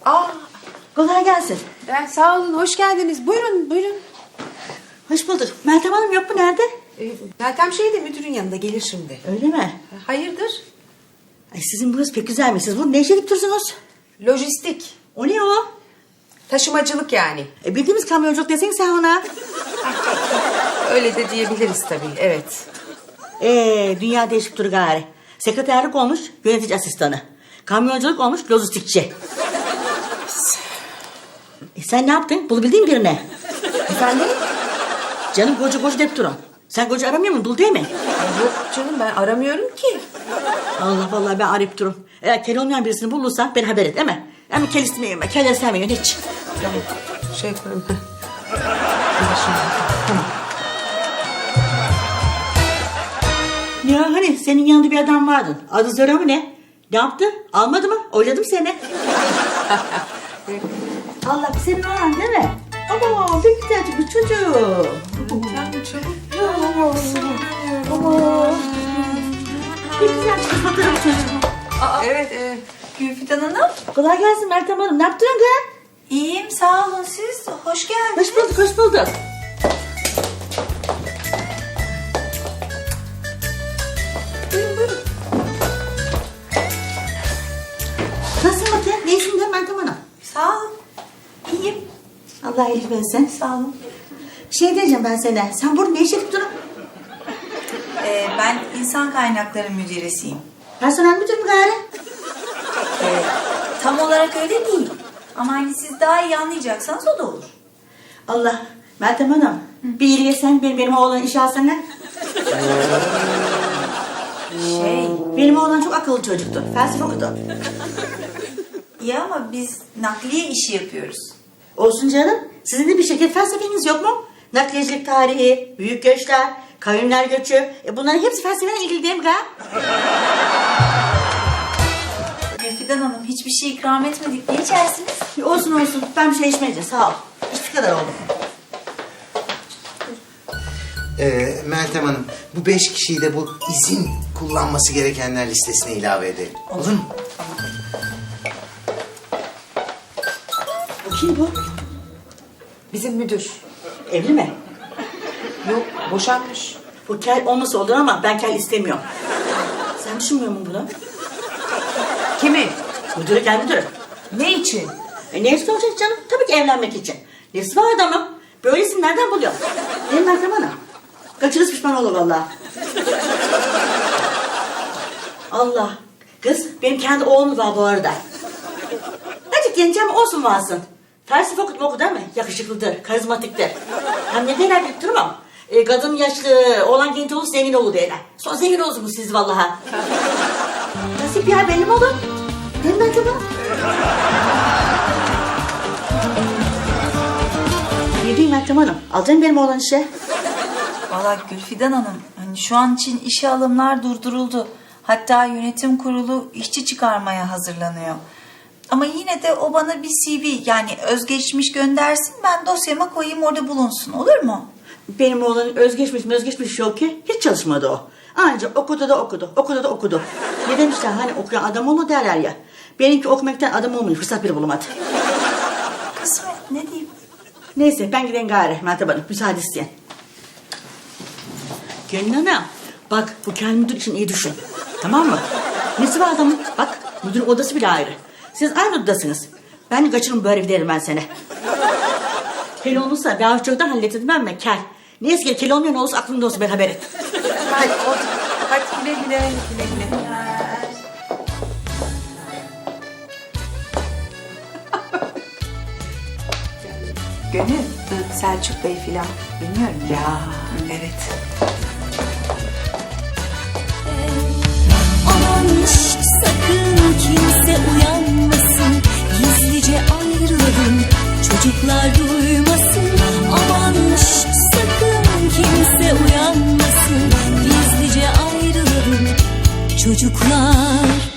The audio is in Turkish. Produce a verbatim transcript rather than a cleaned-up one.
Aa, Kolay gelsin. ben sağ olun, hoş geldiniz. Buyurun, buyurun. Hoş bulduk. Meltem Hanım yok mu, nerede? Ee, Meltem şeyde müdürün yanında gelir şimdi. Öyle mi? Hayırdır? Ay, sizin burası pek güzelmiş. Siz burada ne işe gidip dursunuz? Lojistik, O ne o? taşımacılık yani. E, bildiğimiz kamyonculuk desene sen ona. Öyle de diyebiliriz tabii, evet. Ee, dünya değişip dur gari. Sekreterlik olmuş yönetici asistanı. Kamyonculuk olmuş lojistikçi. E, sen ne yaptın? Bulabildin mi birine? Efendim? Canım koca koca deyip durun. Sen koca aramıyor musun? Bul değil mi? Ay, yok canım, ben aramıyorum ki. Allah vallahi ben arayıp durum. Eğer kel olmayan birisini bulursan beni haber et, değil mi? Ama kel istemiyorum ben. Kel istemiyorum hiç. Tamam, şey yaparım. Tamam. Ya hani senin yanında bir adam vardı. Adı Zora mı ne? Ne yaptı? Almadı mı? Oyladım seni. Allah, senin oğlan değil mi? Ama bir güzelcik bir çocuğum. Tamam, çabuk. Ama bir güzelcik bir fotoğraf çocuğum. Aa, Evet, evet. Gülfidan Hanım. Kolay gelsin Meltem Hanım. Ne yaptın kız? İyiyim, sağ olun siz. Hoş geldiniz. Hoş bulduk, hoş bulduk. Buyurun, buyurun. Nasılsın Mete? Neysin de Meltem Hanım? Sağ olun. İyiyim. Allah iyilik versin. Sağ olun. Şey diyeceğim ben sana. Sen burada ne iş yapıp durun? Ee, ben insan kaynakları müdüresiyim. Personel müdür mü gari? Ee, tam olarak öyle değil. Ama hani siz daha iyi anlayacaksanız o da olur. Allah. Meltem Hanım. Bir iyiliğe sen benim, benim oğlan iş alsana. Şey, Benim oğlan çok akıllı çocuktu. Felsefe okudu. iyi ama biz nakliye işi yapıyoruz. Olsun canım. Sizin de bir şirket felsefeniz yok mu? Nakliyecilik tarihi, büyük göçler, kavimler göçü. E bunların hepsi felsefeyle ilgili değil mi ga? Gülfidan Hanım, hiçbir şey ikram etmedik. Ne içersiniz? E olsun olsun. Ben bir şey içmeyeceğim. Sağ ol. İşte kadar oldu. Ee, Meltem Hanım, bu beş kişiyi de bu izin kullanması gerekenler listesine ilave edelim. Olur mu? Kim bu? Bizim müdür. Evli mi? Yok, boşanmış. Bu kel olması olur ama ben kel istemiyorum. Sen düşünmüyor musun bunu? Kimi? Müdürü kel müdürü. Ne için? E ne istiyor olacak canım? Tabii ki evlenmek için. Nesi var adamım? Böyle isim nereden buluyor? Değil mi Meltem Hanım? Kaçırız pişman olur vallahi. Allah. Kız benim kendi oğlum var bu arada. Azıcık gençem olsun varsın. Felsefe okudu oku değil mi? Yakışıklıdır, karizmatiktir. Hem ne derler bilip durmam. E, kadın yaşlı, oğlan genç olur, zengin olur derler. Sonra zengin olursunuz siz vallahi. Nasip ya, belli mi olur? Değil mi Meltem Hanım? Ne diyeyim Meltem Hanım? Alacaksın benim oğlan işe. Valla Gülfidan Hanım, hani şu an için işe alımlar durduruldu. Hatta yönetim kurulu işçi çıkarmaya hazırlanıyor. Ama yine de o bana bir C V, yani özgeçmiş göndersin, ben dosyama koyayım, orada bulunsun, olur mu? Benim oğlanın özgeçmiş özgeçmiş yok ki. Hiç çalışmadı o. Ancak okudu da okudu, okudu da okudu. Ne demişler hani okuyan adam olma derler ya. Benimki okumaktan adam olmuyor, fırsat bile bulamadı. Kısmet, ne diyeyim? Neyse ben gideyim gari Meltem Hanım, müsaade isteyen. Gönül Hanım, bak bu kel müdür için iyi düşün. Tamam mı? Nesi var adamın? Bak müdürün odası bile ayrı. Siz aynı odadasınız. Ben de kaçırım böyle bir derim ben seni. Kel olursa ben çoktan hallettim ben mi? Kel. Neyse ki kel olmayan olursa aklımda olsun, ben haber et. Hadi, otur. Hadi güle güle, güle güle. Gönül, Selçuk Bey filan, bilmiyorum ya. Ya, evet. Aman şşt, sakın kimse uyanmasın, gizlice ayrılalım, çocuklar duymasın. Aman şşt, sakın kimse uyanmasın, gizlice ayrılalım, çocuklar